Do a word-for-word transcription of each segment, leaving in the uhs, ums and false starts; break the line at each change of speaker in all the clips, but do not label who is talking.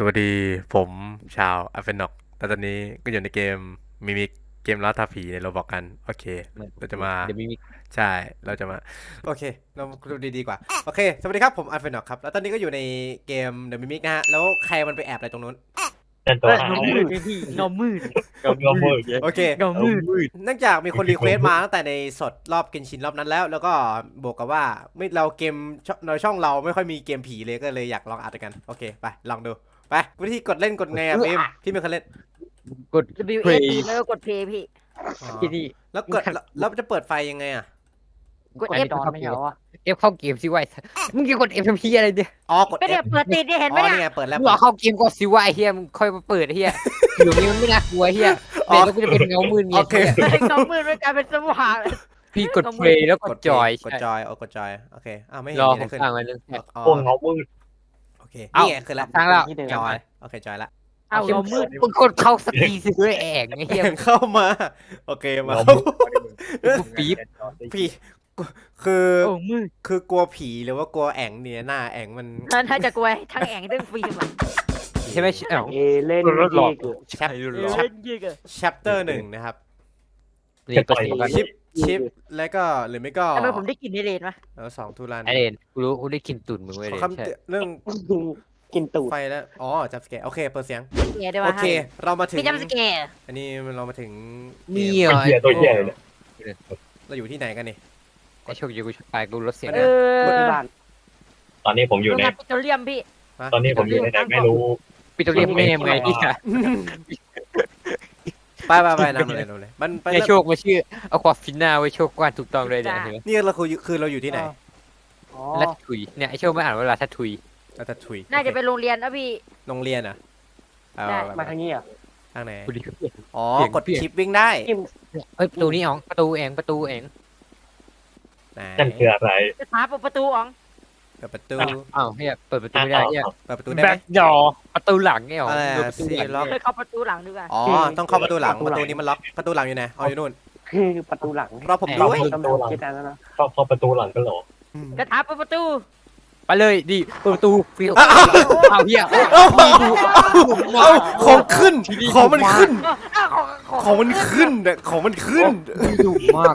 วัสดีผมชาวอัฟเฟนอกแต่ตอนนี้ก็อยู่ในเกมมิมิกเกมล่าท้าผีในโรบอกกันโอเค
มัน
เราจะมา
เดี๋ยวมีมี
ใช่เราจะมาโอเคเราดูดีๆกว่าโอเคสวัสดีครับผมอัฟเฟนอกครับแล้วตอนนี้ก็อยู่ในเกมเดอะมิมิกนะฮะแล้วใครมันไปแอบอะไรตรงนู้น
เป็นตั
เอ้
วย หา
เงา
เล
มื
ย
ดไงพี่เงามืด
เงามืด
โอเค
เงามืด
เนื่องจากมีคนรีเควสต์มาตั้งแต่ในสดรอบเกนชินรอบนั้นแล้ว แล้วก็บวกกับว่าไม่เราเกมในช่องเราไม่ค่อยมีเกมผีเลยก็เลยอยากลองอัดกันโอเคไปลองดูไปวิธีกดเล่นกดไงอ่ะพิมพี่ไม่เคยเล่น
กด
W A
play
P แล้วก็กด play พี่
อ๋อ
ที่นี่
แล้วกดแล้วแล้วจะเปิดไฟยังไงอ่ะ
กด
อัน
F
นี้ก็เข้าเกมเอฟเข้าเกมสิวะมึงจะกดเอฟทำพีอะไรเนี่ย
อ๋อกด
ก็เนี่ย
F
เปิดติดเนี่ยเห็นไหม
อ๋อ
เนี่
นี่
ย
ไงเปิดแล้ว
มึงรอเข้าเกมก่อนสิวะไอ้เฮียมึงค่อยมาเปิดไอ้เฮียอยู่นี่มันไม่น่ากลัวไอ้เฮียแต่ก็จะเป็นเงามืดไง
โอเค
เงามืดมันกลายเป็นสว่าง
พี่กด play แล้วก
ก
ด
ด
จอย
กดจอยโอ้กดจอยโอเคอ้าวไม่เห็น
รอ
มี
ผ
อะไรขึ้น
มสร้างไว้นึง
อ๋อ
พวกเงามืด
โอเคนี่ไงคือแล้ว
สร้างแล้ว
จอยโอเคจอยละ
เอาเงามืด
มึงกดเข้าสตีสิด้วยแองไอ้เฮีย
เข้ามาโอเคมา
เงา
เข้า
มืด
ปี๊บ
ผีคือ
โอ้มืด
คือกลัวผีหรือว่ากลัวแองเนี่ยหน้าแองมัน
น่าจะกลัวทั้งแองทั้งฟิล์มอ่ะ
ใช่ไหมเอ้า
เอเล่น
รถหลอก
เก
แชป
ใช่
เอ
รุ่นหลอก
อยิงอ่ะ
chapter หนึ่งนะครับ
นี่ก็สิบกัน
ชิปชิปแล้วก็หรือไม่ก็
ทำไมผมได้กลิ่นในเลนวะ
แล้วสองทุรัน
ไอเดนกูรู้กูได้กินตุ่นมึงไว้
ข
เล
อย คำ
ใช่
เตือนเรื่อง
กินตูด
ไฟแล้วอ๋อจับสแกร์โอเคเปิดเสียง
เกียร์ด้วย
โอ
วะ
เค เรามาถึง
พี่จำสแกร์
อันนี้เรามาถึงเก
นี่
ม
เหรอ
เหี้ยตัวเหี้ยเลย
เราอยู่ที่ไหนกันนี่
ไอโชคดีกูตายกูลดเสียง
เออ
ที่บ้าน
ตอนนี้ผมอยู่
โรง
ใน
งานปิโตรเลียมพี่
ตอนนี้ผมอยู่ในไหนไม่รู้
ปิดตัวเรียกแม่มึงไงที่
ไปไปไปนำเลยนำเลยมันไป
ไอโชคมาชื่อเอาความฟินนาไว้โชคกว้านถูกต้องเลยเนี่ยเห็นไหม
นี่เราคือคือเราอยู่ที่ไหน
อ๋อ
ลัททุยเนี่ยไอโชคไม่อ่านเวลาทัทุย
เราจะถุย
น่าจะเป็นโรงเรียนนะพี่
โรงเรียนอ่ะเอา
ได้
ไป
มาทางนี้อ่ะ
ทางไหน
กูดี
อ๋อ
เปลี่ยน
กด
เปลี่ยน
ชิปวิ่งได้
จิ้ม
เอ้ยประตูนี้อ๋องประตูเองประตูเอง
ไหน
นั่นคืออะไร
จะหาเปิดประตูอ๋อง
เปิดประตู
อ้าวเฮียเปิดประตูไม่ได้เฮีย
เปิดประตูได้ไห
แบ็
ม
คดอประตูหลังไงอ๋อง
อะไรอะ
ดูประตูหลัง
ซีล็อก
เคยเข้าประตูหลังดีกว่า
อ๋อต้องเข้าประตูหลังประตูนี้มันล็อกประตูหลังอยู่ไหนอ๋ออยู่นู่น
คือประตูหลัง
รอผม
เรา
ด้วย
ไม่
กำลังคิดอันนั้นนะ
เข้าเข้าประตูหลังกันเหรอ
จะหาเปิดประตู
ไปเลยดิเปิดประตูฟิว
อ้าว
อ้าวเฮีย
เอาเอาของขึ้นของมันขึ้น
อ้าวของของ
ของมันขึ้นเนี่ยของมันขึ้น
ดุมาก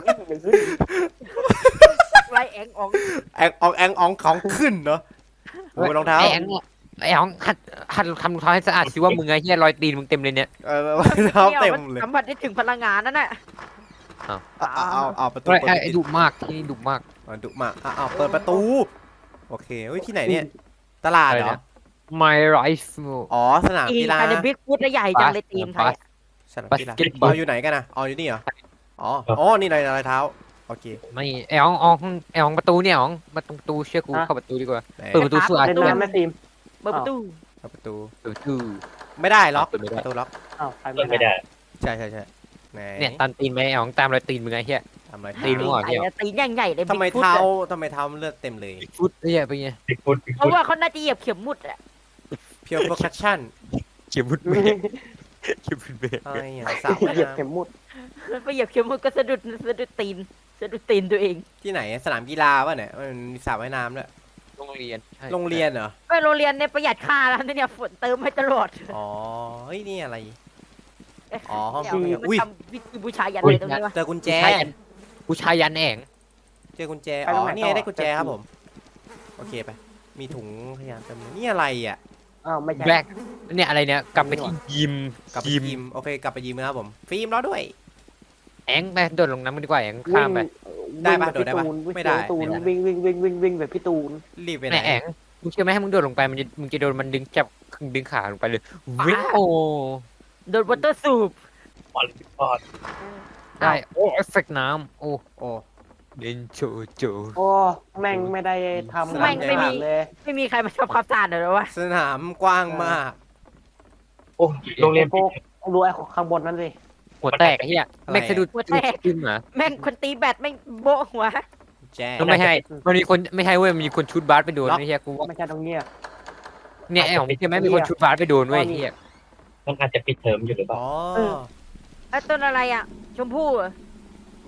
ไรแองอ๋อง
แองอองแองอองของขึ้นเนาะโอ้ยรองเท้า
ไอ้แองไอ้อ๋องหัดหัดทำรองเท้าให้สะอาดสิว่ามึงไงเฮียรอยตีนมึงเต็มเลยเนี่ย
เออรองเท้าเต็มเลย
สัมผัสได้ถึงพลังงานนั่นแหละ
เอาเอาเอาเอาประตู
ไอ้
เปิด
ไอ้
ปิด
ดุมากที่นี่ดุมาก
อ่ะดุมากอ่ะเอาเปิดประตู โอเคเฮ้ยที่ไหนเนี่ย ตลาดเหรอ
My rifle
อ๋อสนาม
อี
กีฬา
ภายในบิ๊กฟุตและใหญ่จังเลยทีมไทย
สนามกีฬา
Basketball
เอาอยู่ไหนกันนะอ๋ออยู่นี่เหรอ อ๋อ อ๋อ นี่ในรอยเท้า โอเค
ไม่ไอ้อ๋องอ๋องไอ้อ๋องประตูเนี่ยอ๋องมาตรงประตูเชื่อกูเข้าประตูดีกว่า
ไหน
เปิดประตูสวด
เล่นน้ำแม่ทีม
เปิดประตู
เปิดประตู
เปิดประตู
ไม่ได้ล็อก
เปิดไม่ได้
ประตูล็อก
อ้าวใคร
เล่น
ไม่
ไม่
ได้
ได้
ใช่ใช่ใช่ไหน
เนี่ยตามตีนไหมไอ้อ๋องตามรอยตีนมึงไงเฮีย
ทำอะไร
ตีนมั่ว
ไอ้ตีนใหญ่ใหญ่เลย
ทำไม
Bigfoot
เท้า
อะ
ทำไมเท้ามันเลือดเต็มเลย
ฟุตเฮียไปไง
บิ๊กฟุตบิ๊ก
เพ
ฟุ
ราะ
ต
ว่าเขาน่าจะเหยียบเข็มมุดอะ
เพียวโปรคัชชั่น
เขียบุดเบรกเขียบุดเบรก
อะไรอ่ะสาวว่าย
เหยียบ
น้
เข็มมุด
ไปเหยียบเข็มมุดก็สะดุดสะดุดตีนสะดุดตีนตัวเอง
ำที่ไหนสนามกีฬาป่ะเนี่ยมันมีสระว่ายน้ำด้วย
โรงเรียน
โรงเรียนเหรอ
ไปโรงเรียนเนี่ยประหยัดค่าแล้วเนี่ยฝนเติมให้ตลอด
อ๋อ เฮ้ยนี่อะไร อ๋อห้อง
เดี๋ยว
อุ้ย
มันทำวิธีบูชายันอะไรตรงนี้วะ
เจอกุญแจ
ผู้ชายยันแอง
เจอกุญแจ อ๋อ นี่ไงได้กุญแจครับผม โอเคไป มีถุงขยะเต็มเลยนี่อะไรอ่ะ
อ้าวไม่ใช่
แบล็กเนี่ยอะไรเนี่ยกลับไปที่ยิม
กลับไป
ยิม
ยิม โอเค กลับไปยิมนะครับผม ฟิล์มรอด้วย
แองไปโดดลงน้ำมันดีกว่าแอง
วิ่
ข้าม
ง
ไป
ได้ปะ
วิ่งแบบ
โดดได้ปะ
พี่ตูน
ไม่ได้
ตูน
ไม่ได้
วิ่งวิ่งวิ่งวิ่งวิ่งแบบพี่ตูน
รีบไปไห
แม่
น
แองมึงเชื่อไหมให้มึงโดดลงไปมันจะมึงจะโดนมันดึงจับดึงขาลงไปเลยวิ่งโอ้
โดนวอเตอร์สูบ
ปอนปอน
ได้โอ้เอฟเฟกต์น้ำโอ้
โอ้
เดนโจโจ
โอ้แม่งไม่ได้ทำ
แม่งไม่มี
เลย
ไม่มีใครมาทำความสะอาดเลยวะ
สนามกว้างมาก
โอ้โรงเรียน
พวกดูไอ้ข้างบนนั่นสิ
หัวแตกไอ้เหี้ย
อะไรอะ
แม็กสะดุดขึ้นเหรอ
แม่งคนตีแบตแม่งโบะหัว
แจ้
ก็ไม่ใช่มันมีคนไม่ใช่เว้ยมันมีคนชุดบาสไปโดนไอ้เหี้ยกูว่า
ไม่ใช่ตรงเนี้ย
เนี่ยไอ้ของใช่ไหมมีคนชุดบาสไปโดนเว้ยไอ้เหี้ย
มันอาจจะปิดเทอมอยู่หรือเปล่า
อ๋อ
ไอ้ต้นอะไรอ่ะ ชมพู่เหรอ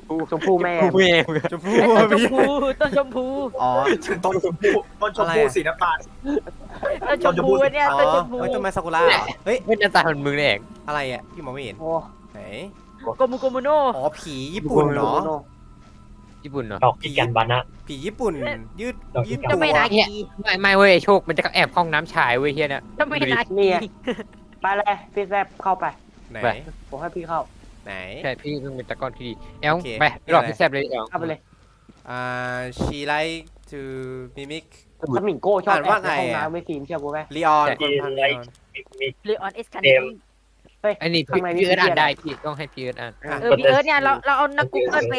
พู
ชมพู่แม่
พูแม่
ชมพู่
ไอ้ต้นช
พี่
มพูต้นชมพู
อ๋อ
ต้นชมพู่ต้นชมพู่สีน้ำตาล
ต้นชมพูเนี่ย
อ๋อ
ต้นชมพู
เฮ้ยต้นไม้ซากุระเหรอเฮ้ย
ไม่หน้าตาเหมือนมึงเลยเอง
อะไรอ่ะพี่มองไม่เห็น
โอ้
ไหน
โกมุโกมุโน
อ๋อผีญี่ปุ่นเนาะ
ญี่ปุ่นเนาะ
ดอกกิกันบานะ
ผีญี่ปุ่น ยืดยืด
จะ
ตัว
ไม่นา
เนี่ย
กี
ไม่ไม่เว้ยโชคมันจะแอบห้องน้ำชายเว้ยเฮียเนี่ย
จะไม่นากี
เนี่ยไปเลยพี่แซบเข้าไป
ไหน
ไป
ผมให้พี่เข้า
ไหน
ใช่พี่เพิ่งเป็นตะกอนที่ดีแอล
โอเค
ไปหลอกพี่แซบเลยแอล
เข้าไปเลย
อ่า she like to mimic
สมิงโก้ชอบ
อ่าน
แอ
ว่า
บในห้อง
ไงอะ
น้ำไม่ฟิล์มเชื่อกูไหม
ลีออนคนพันลีออน
มีมี
หรือออนเอสคัน
เกม
เฮ้ย
ไอ้นี่
ข้างในนี่
พี่เอิร์ธอ่าน
เครียด
ได้พี่ต้องให้พี่เอิร์ธอ่าน
อ่ะ
เออพี่เอิร์ธเนี่ยเราเราเอานักกูเกิลไป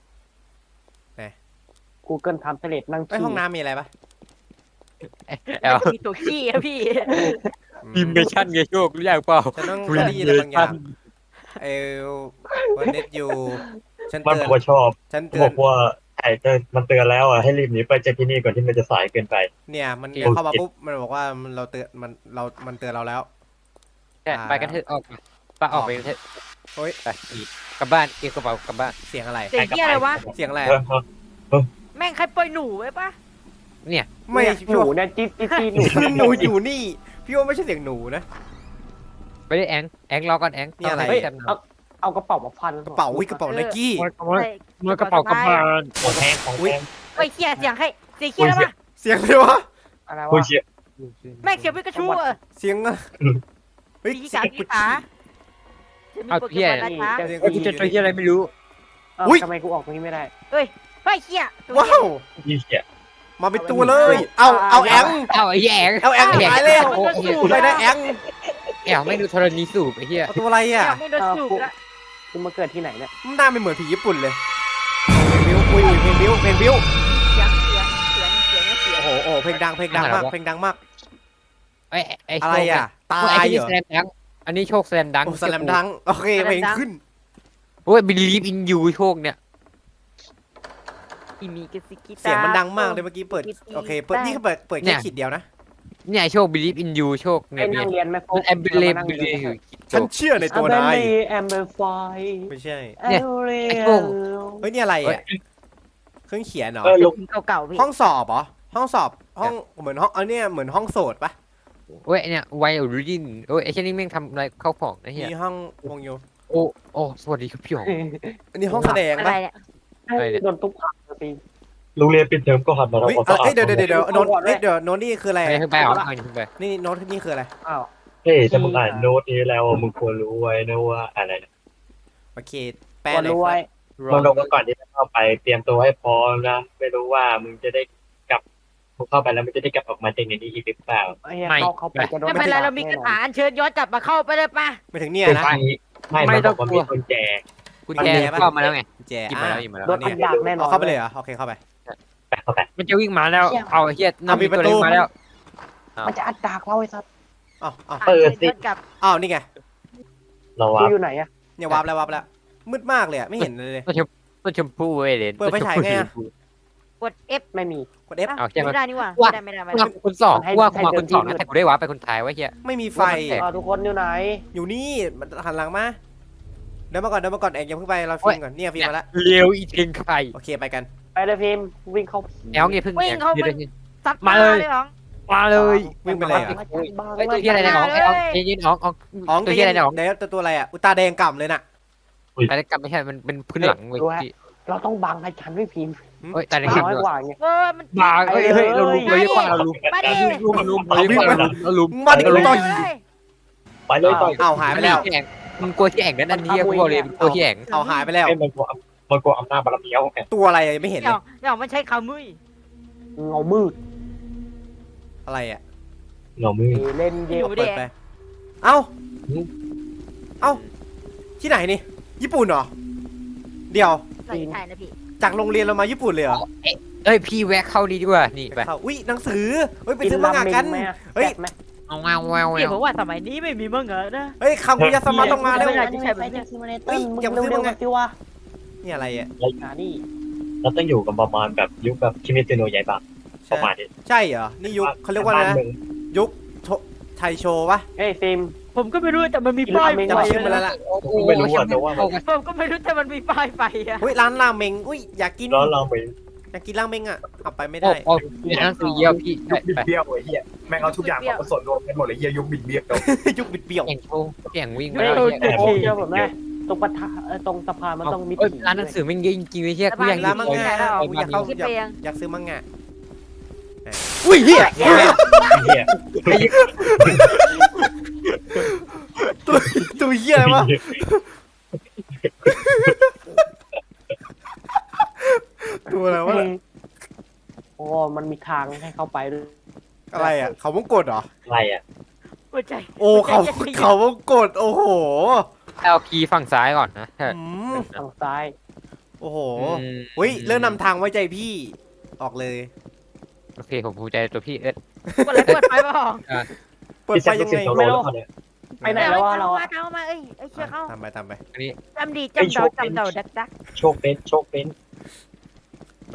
กูเกิลทำเสร็จนั่ง
ไอย
ขี้
ห้องน้ำมีอะไรปะ
แอล
มีตัวขี้อะพี่
พิมพ์เมชั่นไงโชครู้ยังเปล่า
ฉันต้องได้ยินอะไรบางอย่างเออวันเน็ตอยู่ฉัน
มัน
เตื
บ
อ
อน กว่าชอบ
ฉันเตื
บ
อ
อน กว่าไอ้เตือนมันเตือนแล้วอ่ะให้รีบหนีไปจากที่นี่ก่อนที่มันจะสายเกินไป
เนี่ยมันเข้ามาปุ๊บมันบอกว่ามันเราเตือนมันเรา มันเตือนเราแล้ว
ใช่ไปกันเถอะออกมาป้าออกไปกันเถอะ
โอ้ย
ไปอีกกลับบ้านเก็บกระเป๋ากลับบ้าน
เสียงอะไร
เสียงเหี้ยอะไรวะ
เสียงอะไร
เออเออ
แม่งใครปล่อยหนูไว้ปะ
เนี่ย
ไม่
เนี่ยห
พี่
นู
ว่า
เนี่ยจี๊ดจี๊ดจี๊ดหนู
หนูอยู่นี่พี่ว่าไม่ใช่เสียงหนูนะ
ไปได้แองแองรอก่อนแอง
นี่อะไร
เฮ้ยแซม
เอาเอากระเป๋ามาพัน
กระเป๋าวิกระเป๋าไนกี้
ใส่
มือกระเป๋ากลับบ้าน
ของแพงของแพง
ไอ้ยเหี้ยเสียงใครเสียงเหี้ยแล้วปะ
เสียงเลยวะ
อะไร
คุ
วะ
ณเชีย
แม่งเสียงพิกาชูอะ
เสียงอะเฮ้ย
สี
เสีย
ขาง สี
กุช
ขา
ชี่
จะมีโปเกมอนนะคะ
เฮ้ยกูเจอตัวเฮียอะไรไม่รู้
เอ้า
อุ๊ย
ทำไมกูออกตรงนี้ไม่ได้
เฮ้ยเฮ้ยเหี้ยตัว
ว้า
เหี้ยว
ยี่เชีย
มาเป็นตัวเลย เอาเอาแอง
เอาไอ้เหี้ยแอง
เอาแองตายเลย
โอ้โห
ไม่ได้แอง
แอลไม่ดูธรณีสูบไอ้เหี้ย
เอาตัวอะไรอ่ะ
ยังไม่โดนสูบละ
กูมาเกิดที่ไหนเนี่ย
มันหน้าไม่เหมือนผีญี่ปุ่นเลยเพลงบิวอุ้ยเพลงบิวเพลงบิว
เสียงเสียงเสียงเสียงเสียง
โอ้โหโอ้โหเพลงดังเพลงดังมากเพลงดังมาก
ไอ้ไอ้
อะไรอ่ะ ตา
ไอ้
ย
ที่
เหรอ
แสลมดังอันนี้โชคแสลมดัง
โอ้สแลมดังโอเคเพลงขึ้น
โอ้ยบิลีฟอินยูโชคเนี่ย
อีมีกสิกิตา
เสียงมันดังมากเลยเมื่อกี้เปิดโอเคเปิดนี่เขาเปิดเปิดแค่ขีดเดียวนะ
เนี่ยโชคบิลีฟอินยูโชค
ไอ้
เนี่ย
นั่งเรียนไหมโฟ
มันแอมเบลเลม
นั่ง
บิ
เรี
ลี
ยน
อยู่
ฉันเชื่อในตัวนาย
แอมเบลไฟ
ไม่ใช่
เนี่ย ไอ้โชค
เฮ้ยนี่อะไรอ่ะเครื่องเขียนเหรอ
เออลง
เก่าๆพี่
ห้องสอบเหรอห้องสอบห้องเหมือนห้องอันเนี้ยเหมือนห้องโสดปะ
โอ้ยเนี่ยไวโอรินโอ้ยไอ้เช่นนี้แม่งทำอะไรเข้าของไอ้เหี้ย
มีห้องวงโย
โอ้โอ้สวัสดีครับพี่หง
อันนี้ห้องแสดง
อะไร
ปะ
เนี่ย
อะไรเนี่ย
โดนตุ๊กตาตี
โรงเรียนปิดเทอมก็หันมา
เฮ้ย
ทำความ
เอ้
สะอาด
ยเดี๋ยวเดี๋ยวเดี๋ยวโน้ตเฮ้ยเดี๋ยวโน้ตนี่คืออะไร
ไปขึ้นไปเอาเอาขึ้นไป
นี่โน้ตนี่คืออะไร
อ้าว
เฮ้ยถ้ามึงอ่านโน้ตนี้แล้วมึงควรรู้ไว้นะว่าอะไรนะ
โอเคแปล
ก็
หน่อย
รู้
ค
ไว้
รับ
มึงลงมาก่อนที่จะเข้าไปเตรียมตัวให้พร้อมนะไม่รู้ว่ามึงจะได้กลับมึงเข้าไปแล้วมึงจะได้กลับออกมาจากในนี้อีกหรือเปล่า
ไอ้เหี้ยเข้าเข้าไปจะโดน
ไม่เป็นไรเรามีกระถาอัญเชิญย้อนกลับมาเข้าไปเลยปะ
ไม่ถึงเนี่ยนะ
ไม่ไม่ต้องบอกว่ามีคนแจก
กุญแจเข้ามาแล้วไง
แจ
หยิบ
อ่ะ
มาแล้วหยิบมาแล้ว
โดนอันดักแน่นอน
เอาเข้าไปเลยเหรอโอเคเข้าไป
ไปเข้าไป
มันจะวิ่งมาแล้วเอาไอ้เหี้ยน้ำมีตัวเล็กมาแล้ว
มันจะอัดดักเราไอ้สัส
อ้าวอ้าว
เปิดสิ
ย้อนกลับ
อ้าวนี่ไง
เรา
กู
ว่า
อยู่ไหนอะ
เนี่ยวาร์ปแล้ววาร์ปแล้วมืดมากเลยอะไม่เห็นเลยเลย
ต้นชมพู่เว้ยเลน
เปิดไฟฉายไงอะ
กด F
ไม่มี
กด F
เอาแค่มา
ไม่ได้นี่หว่าไม่ได้ไม่ได้ไม่ได้
คนสองว่ากูมาคนสองนะแต่กูได้ว้าไปคนท้ายไว้เหี้ย
ไม่มีไฟ
เออทุกคนอยู่ไหน
อยู่นี่มันหันหลังมาเดินมาก่อนเดินมาก่อนเอกอย่าเพิ่งไปเราฟิล์มก่อนเนี่ยฟิล์มมาแล้ว
เลี้ยวอีเทงไข่
โอเคไปกัน
ไปเลยพิมพ์วิ่งเข้า
แอลเงี้ยเพิ่ง
ซัด
มาเลย
หรอ
มาเลย
วิ่งไปเลยเหรอ
ไอ้ตัวที่อะไรนะน้องไอ้อองไอ้ยินน้องออง
อ๋อ
ตัวที่อะไรนะน้อง
เดี๋ยวตัวตัวอะไรอ่ะอุตาแดงก่ำเลยน่ะ
แต่กลับไม่ใช่มันเป็นพื้นหลังเว้ย
เราต้องบังให้ฉันไม่พิมพ์
เฮ้ยแต่ใน
บั
คลิ
ง
ป
น้อย
เลย
กว่าไง
เออมัน
มาเฮ้ยเฮ้ยเราลุมเราเยอะกว่าเราลุม
มาดิ
ลุมลุมเราเยอะกว่าเราลุม
มาดิต่อย
ไปเลยต่อย
อ้าวหายไปแล้ว
แข่งมึงกลัวที่แข่งนั่นอันนี้กูบอกเลยกลัวที่แข่ง
เอาหายไปแล้ว
ให้มันกลัวมันกลัวอำนาจบารมีเอาไง
ตัวอะไรอะยังไม่เห็นเล
เดี๋ย
ยว
เดี๋ยวมันใช้ขามุ้ย
เงามืด
อะไรอ่ะ
หน่อมือ
เล่นเย
อ
อะ
ยู่
เปิ
ดิ
ดไปเอ้าเอ้าที่ไหนนี่ญี่ปุ่นเหรอเดี๋ยว
ใส่ไทยนะพี่
จากโรงเรียนเรามาญี่ปุ่นเลยเหรอ
เอ้ยพี่แวะเข้าดีดีกว่านี่ไป
เข้าอุ้ยหนังสือเฮ้ยไปซื้อมังงะกัน เฮ้ย
ไหม
เอาแววแววแว
พี่
ว
ผมว่าสมัยนี้ไม่มีมังงะนะ
เฮ้ยคำกุยาสมาต้องมาแล้ว
ไม่ได้ที่ใช่แบบนี้
เฮ้ยอย่าซื้อ
เร็
มั
ว
ง
ๆ
งะ
สิวะ
นี่อะไรอ่ะ
หานี่
เราต้องอยู่กับประมาณแบบยุคแบบคิมิเตโนะใหญ่ปะประมาณนี้
ใช่เหรอนี่ยุคเขาเรียกว่าอะไรนะยุคโทไทโชวะ
เฮ้ยฟิล์ม
ผผมก็ไม่รู้แต่มันมีป้าย
จำชื่อมันแล้วล่ะ
โอ้โห
ไม่รู้อะแต่ว่ามัน
ผมก็ไม่รู้แต่มันมีป้ายไฟอะ
เฮ้ยร้านราเมงอุ้ยอยากกิน
ร้อนเราไป
อยากกินราเมงอ่ะเอาไปไม่
โอ้
ได้
โหมีหนังสือเยี่ยวพี่
ยุ
ไป
คบิด
ไป
เบี้ยวไอ้เหี้ยแม่งเอาทุกอย่างมาผสมรวมกันหมดเลยเหี้ยยุคบิดเบี้ยว
ยุคบิดเบี้ยว
แข่งโชว์แข่งวิ่ง
ไม่
มา
โด
แล้ว
น
เฮีย
โอ้ยเจ้าผมแม่ตรงปะทะเอ่อตรงสะพานมันต้องมี
เอ้ย
ผี
ร้านหนังสือแม่งเยอะจริงๆเลยเฮียกูอยาก
ร้านมังงะ
แล้ว
กูอยากเข้า
คิด
อยาก
ไปยัง
อยากซื้อมังงะอุ้ยเฮีย
เหี้ย
ตัวตัวเฮียอะไรวะตัวอะไรวะ
โอ้มันมีทางให้เข้าไปด้วย
อะไรอ่ะเขาวงกดเหรอ
อะไรอ่ะ
หัวใจ
โอ้เขาเขาวงกดโอ้โห
เอาคีย์ฝั่งซ้ายก่อนนะ
อืม
ทางซ้าย
โอ้โห
อืม
เฮ้ยเริ่มนำทางไว้ใจพี่ออกเลย
โอเคผมภูมิใจในตัวพี่เอิร์ธ
กดอะไรเปิดไฟมาหรอ
เปิด
พี่
ไฟ
แซม
ยังไง
เสียงโซโล่แล้วเขาเนี่ย
ไปไหนแล้ววะเรา
อ
อะ
เอามาเอ้ยเอ้ยเชื่อเขา
ตามไปตามไป
อันนี้
จำดีจำเดาจำเดาดักดัก
โชคเป็นโชคเป็น
ไป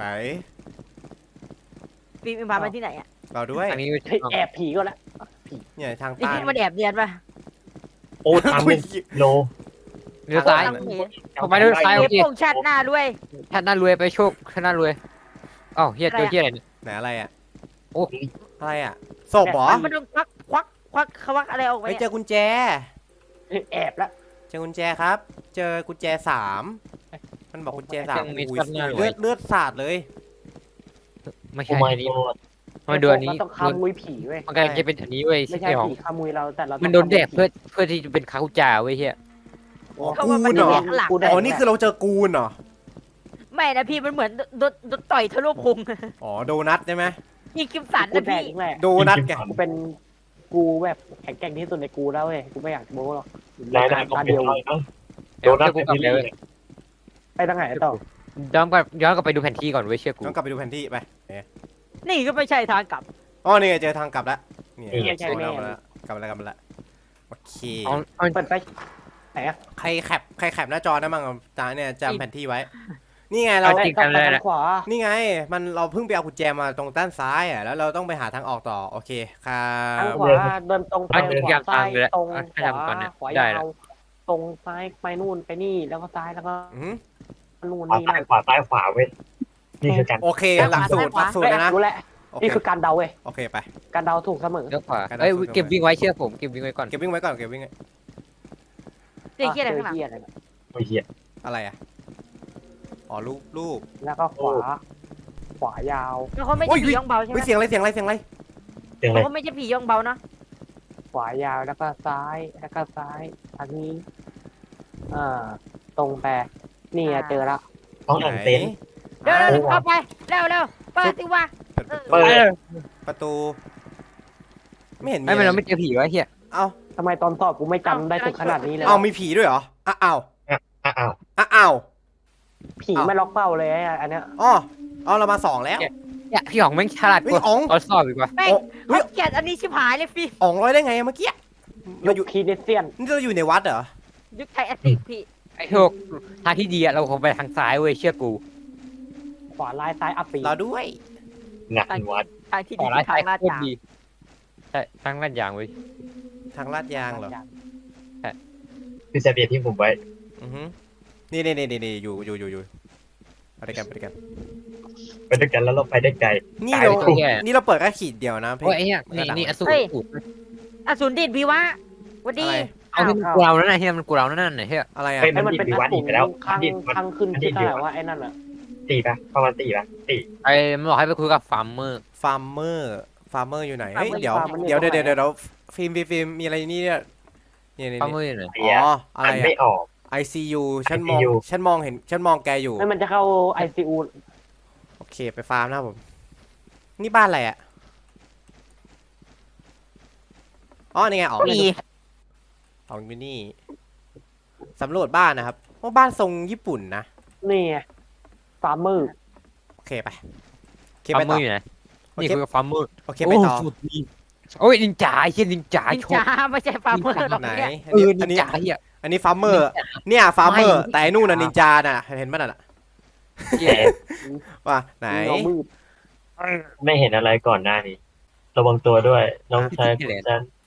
ฟิล์มพามาที่ไหนอ่ะ
เราด้วย
อันนี้
เฮ้ยแอบผีก็แล้ว
เนี่ยทาง
นี่
ใต้
คิดมันแอบเรียนป่ะ
โอ้ทำเป็นโล
เลี้ยวซ้าย
ทางนี้
ผมไปเลี้ยวซ้าย
เอ
โอ
ฟ
เค
โป่งชัดหน้าด้วย
ท่านน่ารวยไปโชคท่านน่ารวยอ้าวเฮียเจอเฮียอะไรเนี่ย
ไหนอะไรอ่ะ
โอ้
อะไรอ่ะศพเหรอ
มันต้องควักควักควักควักอะไรออกมา
ไป
เนี่ย
เจอกุญแจ
แอบแล้ว
เจอกุญแจครับ เจอกุญแจสามมันบอกกุญแจสาม
ยังมี
อุ้ย
สักหน่อย
เลือดเลือดสาดเลย
ไม่
โอ้
ใช่
ไม่
อันนี้
โล
มันโดนอันนี้
เราต้องขโมยผีเว้ย
มันกำลังจะเป็นอันนี้เว้ย
ไม่
ใช่
ใช่
ของ
ผีขโมยเราแต่เราต้
มั
อน ง
โดนแดก
ขโมยผี
เพื่อเพื่อที่จะเป็นคาคุจ่าเว้ยเฮีย
อ๋อ
เขา
กู
ว่ามัน
นเหรอ
แดกหลัง
กูแดก
อ๋อนี่คือเราเจอกูนเหรอ
ไม่นะพี่มันเหมือนโดนโดนต่อยทะลุพุง
อ๋อโดนัทใช่ไหม
นี่กิมสัน
กู
นะ
แดก
พี่
แหละ
โดนัทไง
กูเป็นกูแบบแข็งแกร่งที่สุดในกูแล้วเว้ยกูไม่อยากโม้หรอก
นายนายก็
ตา
เป็น
เดียว
อะไรนะโด
เดี๋ยว
นัท
กู
เป็น
กลับ
ที่
ไป
นี่
เว้ย
ไปทางไหนต่อ
ย้อนกลับย้อนกลับไปดูแผนที่ก่อนเว้ยเชื่อกู
ต้องกลับไปดูแผนที่ไปเนี่ย
นี่ก็ไม่ใช่ทางกลับ
อ๋อนี่ไงเจอทางกลับแล้วนี่
นี่ไงใช่แม่
กลับมาแล้วกลับมาแล้วกลับมาแล้วโอเค
เอาเอา
เปิดไปไหนอะ
ใครแคปใครแคปหน้าจอได้บ้างจาเนี่ยจำแผนที่ไว้ นี่ไงเรา
เอาจริงกันเลยนะ
ขวา
นี่ไง มันเราเพิ่งไปเอากุญแจมาตรงด้านซ้ายอ่ะ แล้วเราต้องไปหาทางออกต่อ โอเคครั
ทาง
บ
ขวาเดินตรงไป
เอาเดิน
ขวาซ้าย
ตามเลย
ตรง
เอา
ขวา
ทำก่อนเนี่ย
ขวา
ได้
ยา
แล้ว
วตรงซ้ายไปนู่นไปนี่แล้วก็ซ้ายแล้วก็
อือหือ
นู่น
ขวา
นี่
ซ้าย
นั่น
ขวาซ้ายขวาเว้ยนี่คือการ
โอเค หลักสูตรหลักสูตรเลยนะ
รู้แล้ว
โอเค
นี่คือการเดาเว้ย
โอเคไป
การเดาถูกเสมอ
เลี้ยวขวา
กันนะ
เอ้ย
ฝึกกัน
เก็บ
ไว้
วิ่งไว้เชื่อผมเก็บวิ่งไว้ก่อน
เก็บวิ่งไว้ก่อน เก็บวิ่งไว้
เจ๊เกี้ยอะไรข้างหลัง
เจอเหี้ยอะไรนะ
โอ้ยเหี้ย
อะไรอ่ะ อ๋อรูปรูป
แล้วก็ขวา ขวายาว
แล้วเขาไม่
โอ้
ใช่
ย
ผีย่องเบาใช่ไหม
เฮ้ยเสียงอะไร เสียงอะไร เสียงอะไร
เสียงอะไร
เขาไม่ใช่ผีย่องเบานะ
ขวายาวแล้วก็ซ้ายแล้วก็ซ้ายทางนี้อ่าตรงไปนี่ไงเจอละ
ห้องอ่างเต็นท์
เร็วเร็วเร็วเข้าไปเร็วเร็วเปิดสิวะ
เปิดประตู
เปิด
ประตู ไม่เห็นมี
ไม่เป็น
อะไร
เราไม่เจอผีวะเฮีย
เอ้า
ทำไมตอนสอบกูไม่จำได้ถึงขนาดนี้เลย
เอ้ามีผีด้วยเหรอ อ้าวอ้าว
อ้าว
อ้าว
ผีไม่ล็อกเป้าเลยอะอันเนี้ย
อ๋อเอาเรามาสองแล้ว
เนี่ยพี่อ๋องแม่งฉลาดกว่า
เฮ้ยอ๋อง
ตอนสอบอีกว่า
แม่ง
โอ้เฮ้ย
เขาเกลียดอันนี้ชิบหายเลยฟิล์ม
อ๋องร้อยได้ไงเมื่อกี้ เราอยู่
ยุคคีเนเซียน
นี่เราอยู่ในวัดเหรอ
ยุคไทยแอตติกพี่
ไอ้โชคทางที่ดีอะเราคงไปทางซ้ายเว้ยเชื่อกู
ขวาลายซ้ายอัปปี
เราด้วย
งานวัด
ทางที่
ข
ดี
อร้าย
ทา
ซ้าย
งลาด
โคตร
ยาง
ดีใช่ทางลาดยางเว้ย
ทางลาดยางเหรอ
คือเซเบียที่ผมไว้
อือฮึนี่นี่นี่นี่อยู่อยู่อยู่อยู่ไปด้วยกันไปด้วยกัน
ไปด้วยกันแล้วเราไปได้ไกล
นี่
ตาย
เรา
คู่
นี่เราเปิดแค่ขีดเดียวนะพี่
โอ้ยไอ้เนี่ยนี่นี่อสูรสูร
อสูรดิดพี่วะหวันดี
อะไร
เอาที่มันกูเรานั่นน่ะเฮียมันกูเรานั่นน่ะเฮีย
อะไรอ่ะ
เฮ้ย
ไอ้มันเป็น
ดิ
อั
วัด
สู
อี
ร
กไปแล้ว
ข้าง
ดิวัด
ข้างขึ้น
ดิ
ชื่อ
ดิ
เท่าไหร่
วัด
ว่าไอ้นั่นอะ
ตีปะประมาณตีปะตี
ไอ้มันบอกให้ไปคุยกับฟาร์มเมอร์
ฟาร์มเมอร์ฟาร์มเมอร์อยู่ไหนเฮ้ยเดี๋ยวเดี๋ยวเดี๋ยวเดี๋ยวเดี๋ยวฟิล์มฟิล์มฟิล์มมีอะไรนี่เนี่ยนี่นี่
ฟาร์มเมอร์อยู่ไหน
เสีย
อ๋ออะไร
อ่านไม่
อ่ะ
ออก
ไอซียูฉันมอง
ไอซียู
ฉันมองเห็นฉันมองแกอยู่
ไม่มันจะเข้าไอซียู
โอเคไปฟาร์มนะครับผมนี่บ้านอะไรอ่ะอ๋อนี่ไงอ๋อ
มี
อ๋ออยู่นี่สำรวจบ้านนะครับว่าบ้านทรงญี่ปุ่นนะ
นี่ไงฟาร์มเมอร์
โอเคไปโอเค
ฟา
ไป
ร์มเม
ต่
อ
อ
ร์อยู่ไหน
โอ
นี่
เค
คุยกับฟาร์มเมอร์
โอเคไปต่อ
สุดดีโอ้ยนินจาไอ้เฮียนินจา
นิน
โช
จาไม่ใช่ฟาร์มเมอร์หรอก
ไหน
เนี่ย
อัน
เอ
นี้
อ
อัน
นิน
นี้
จาเฮีย
อันนี้ฟาร์มเมอร์เนี่ยฟาร์มเมอร์
ไม่
แต่ไอ้นู่นน่ะนินจาน่ะเห็นมั้ยน่ะ
เหี้ย
ว่าไหน
เงามืด
ไม่เห็นอะไรก่อนหน้านี้ ระวังตัวด้วย น้องชายของฉันไป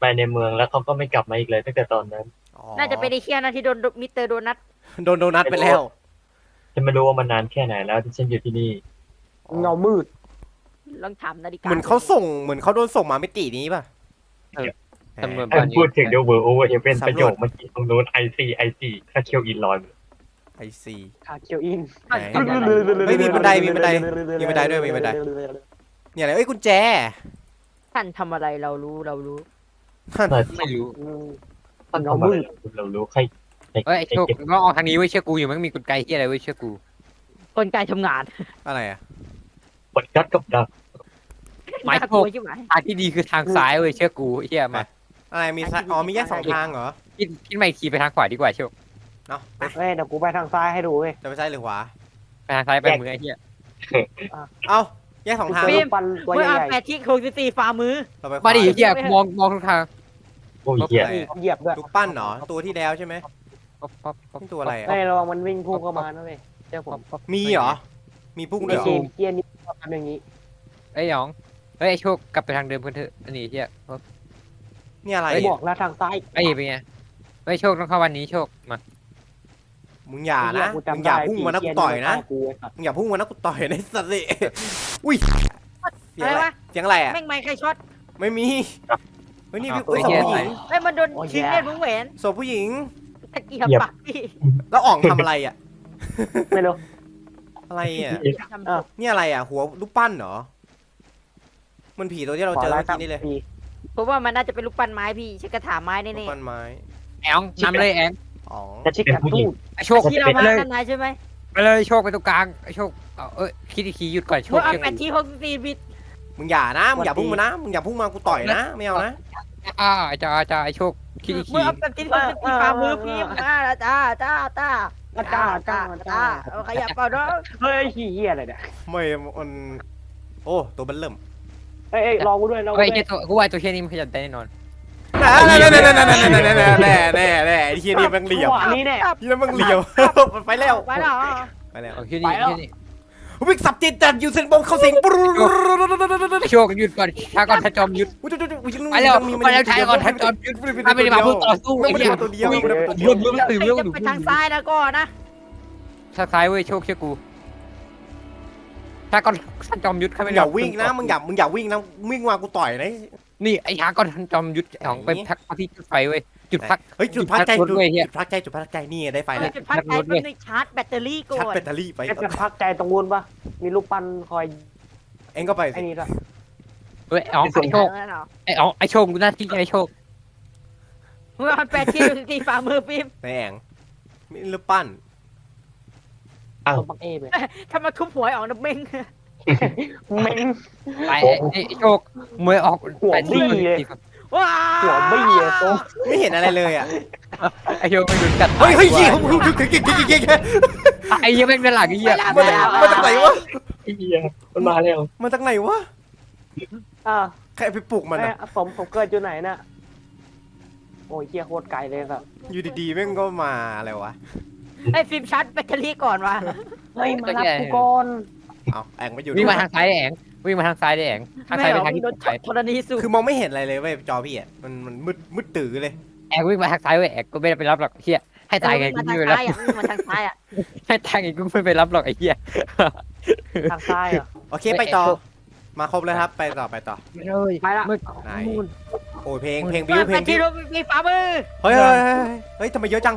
ไปในเมืองแล้วเขาก็ไม่กลับมาอีกเลยตั้งแต่ตอนนั้น
อ๋อ
น่าจะเป็นไอ้เคียนะที่โดนมิสเตอร์โดนัท
โดนโดนัทไปแล้ว
ฉันไม่รู้ว่ามันนานแค่ไหนแล้วที่ฉันอยู่ที่นี่
เงามืด
ลองถามนาฬิกา
เหมือนเขาส่งเหมือนเขาโดนส่งมามิตินี้ป่ะ
ตำรวจ
ถ้าพูดถึงเดอะเวิร์โอเวอร์เฮเวนประโยคเมื่อกี้ตรงนู้นไอซีไอซีถ้าเคียวอินลอย
ไอซี
คาเคียวอิน
ไหน เฮ้ยมีบันไดมีบันไดมีบันไดด้วยมีบันได เนี่ยอะไรเอ้ยกุญแจ
ท่านทำอะไรเรารู้เรารู้
ไม่รู้
อืม
ท่านทำอะไรเรารู้ใคร
เอ้ยไอ้โชคมึงก็ออกทางนี้ไว้ยเชื่อกูอยู่มันมีกลไกที่อะไรไว้ยเชื่อกู
กลไกทำงาน
อะไรอ่ะ
กดกัดกับดัก
ไม้
น่า
โช
กลั
คว
ใช่ไหม
ทางที่ดีคือทางซ้ายเว้ยเชื่อกูเฮียมา
อะไรมีซ้ายอ๋อมีแยกสองทางเหรอ
คิดคิดมาอีกทีไปทางขวาดีกว่าโชค
เนาะไป
เฮ้ยเดี๋ยวกูไปทางซ้ายให้ดูเว้ย
จะไปซ้ายหรือขวา
ไปทางซ้ายไปมือไอ้เฮีย
เอ้าแยกสองทาง
เจอรูปปั้นตัว
เมื่อ
ให
เอา
ญ่
แปดที่หกสิบสี่ฝ่ามือ
เราไปขว
มาดิเฮียมองมองทุกทาง
โอ้ยเหี้ย
อะไร
ๆ
อะ
เหยียบด้วย
รูปปั้นเหรอตัวที่แล้วใช่ไหม
ป๊อปป๊อปป๊อป
นี่ตัวอะไรอ่ะ
เฮ้ยระวังมันวิ่งพุ่งเข้ามานะเว้ยเจ้าผม
มีเหรอมีพุ่งด้วยเหรอ
ไอ้เกมเกียร์นี่ทำอย่างนี้
ไอ้หยองเฮ้ยไอ้โชคกลับไปทางเดิมกันเถอะอันนี้เฮีย
นี่อะไร
ไอ้บ
อ่ะ
อกแล้วทางซ้าย
ไอ้เป็นไงไอ้โชคต้องเข้าวันนี้โชคมา
มึงอย่านะมึงอย่าพุ่งมานะกูต่อยนะมึงอย่าพุ่งมานะกูต่อยนะสัตว์สิอุ้ยเสียง
อะไร
อะไร
วะ
เสียงอะไรอ่ะ
แม่งไม่ใครช็อต
ไม่มีเฮ้ยนี่พี่
ตัว
เฮ้ยศพ
เหี้ย
ผู้หญิง
ไอ้ยมันโดนชิงเล่นวงแหวน
ศพผู้หญิง
ตะเกียบปากพี่
แล้วอ่องทำอะไรอ่ะ
ไม่รู้
อะไรอ่ะ
ทำ
อ้าว
นี่อะไรอ่ะ หัวรูปปั้นเหรอ มันผีตัวที่เราเจอ
ข
เมื่อ
ไล่
กี้นี่เลย
ปี
เพราะว่ามันน่าจะเป็นลูกปั้นไม้พี่ใช้กระถางไม้
รูป
แน่
ปั้นไม้
แองนำเลยแอง
อ๋อ
จะชิกกระทูด
ไอ้โชค
ๆที่เรา
ไป
มา
เลย
กันนายใช่ไหม
ไปเลยโชคไปตรงกลางไอ้โชคเอาเอ้ยคิดอีกทีหยุดก่อนโชค
เมื่อเอา
เชื่อ
แปด
กู
ที่หกสิบสี่บิต
มึงอย่านะ มึงอย่าพุ่งมานะ มึงอย่าพุ่งมากูต่อยนะ ไม่เอานะ
อ่าจ้าจ้าไอ้โชคคิดอีกที
เมื่อเอาแปดที่หกสิบสี่ฝ่ามือพี่มาจ้าจ้าจ้า
จ้าจ้าจ้า
เอาขยับเปล่าเนาะ
เฮ้ยขี้เหี้ยอะไรเนี่ย
ไม่มันโอ้ตัวเบันเริ่ม
เฮ้ยเอ้ยรอกูด้วยรอกู
เฮ้ย
ด้ว
ไอ้
ย
ตัวกูว่าตัวเชี่ยนี้มันขยันได้แน่นอน
แน่แน่แน่แน่แน่แน่แน่แน่แน่แน่แน่แน่ไอ้เฮียนี่มันเหลี่ยม
จังหวะนี้เนี่ย
นี่มันเหลี่ยมไปแล้ว
ไปแล้ว
ไปแล้ว
เอาคิดนี่
ไปแล้ว
คิดนี่
วิ่งสับจิตจัดยูเซนโบเข้าสิงปุ๊บ
ไอ้โชคหยุดก่อนช้าก่อนถ้าจอมหยุด
อุ้ยจุ๊จุ๊จุ๊
ไปแล้วไปแล้วช้าก่อนถ้าจอมหยุดถ้าไม่ได้มาเพื่อต่อสู้
ไม่
ไอ้
ได้
เหี้ย
ตัวเดียวไม่ได้ตัวเดี
ร
ยว
วมรวมตื่นเรื่อง
จะ
ดู
ไปทางซ้ายนะก็นะ
ทางซ้ายเว้ยโชคเชื่อกูช้าก่อนถ้าจอมหยุดถ้า
มึ
ไม่
ง
ได้
อย่าวิ่งนะมึงอย่ามึงอย่าวิ่งนะวิ่งมากูต่อยนะ
นี่ไอ้ช้าก่อนท่านจอมหยุดของไปพักที่จุดไฟเว้ยจุดพัก
เฮ้ยจุดพักใจ
จุ
จุ
ด
ด
พักรถเว้ยเหี้ย
พักใจจุดพักใจนี่ได้ไฟแล้ว
จุดพักใจเป็นงชาร์จแบตเตอรี่ก่อ
ชาร์จ
น
แบตเตอรี่ไป
ไอ้จะพักใจตรงนู้นปะมีรูปปั้นคอย
เองก็ไป
ไอ้นี่ละ
เฮ้ยอ๋อไอ้โชคไอ้อ๋อไอ้โชคกูหน้าที่ไอ้โชค
เมื่อเอาแปดที่หกสิบสี่ฝ่ามือฟิล์ม
ในแองมีรูปปั้น
ตัวปักเอไป
ถ้ามาทุบหัวออกนะเม้ง
เม้ง
ไปไอ้ไอ้โชคมวยออก
หัวบี้เลย
ว้า
หัวบี้อะโต
ไม่เห็นอะไรเลยอ่ะ
ไอ้โชคไม่โดนกัด
เฮ้ยเฮ้ยเหี้ยเฮ้ยเฮ้ยเฮ้ยเฮ้ยเฮ้ยเฮ้ยเฮ้ย
ไอ้เหี้ยแม่งด้านหลังไอ้เหี้ย
มาจากมาจากไหนวะ
ไอ้เหี้ยมันมาแล้ว
มาจากไหนวะ
อ่า
ใครไปปลุกมัน
ไอ้
อะ
สมผมเกิดอยู่ไหนน่ะโอ้ยเฮียโคตรไกลเลยแบบ
อยู่ดีๆแม่งก็มาอะไรวะ
ไอ้ฟิล์มชาร์จแบตเตอรี่ก่อนวะ
เฮ้ยมารับกูก่อน
เอาแองไม่อยู่
วิ่งมาทางซ้ายได้แองวิ่งมาทางซ้ายได้แองทางซ้ายไปทางที่
โด
ต
น
กไป
ธรณีสูบ
คือมองไม่เห็นอะไรเลยเว้ยจอพี่อ่ะมันมันมืดมืดตื่อเลย
แองวิ่งมาทางซ้ายเว้ยแองก็ไม่ได้ไปรับหรอกเหี้ยให้ตายไงกู
มา
ไม่
ทาง
ไปรับ
ซ้ายอ่ะมาทางซ้ายอ่ะ
ให้ตายไงกูไม่ไปรับหรอกไอ้เหี้ย
ทางซ้ายเหรอ
โอเคไปต่อมาครบแล้วครับไปต่อไปต่อ
ไม่เลย
ไปละ
มึง
ไหน
นู่น
โอ้ยเพลงเพลงบิวเพล
แป
ง
ด
บิ
ที่
ว
หกสิบสี่ฝ่ามือ
เฮ้ยเฮ้ยเฮ้ยเฮ้ยทำไมเยอะจัง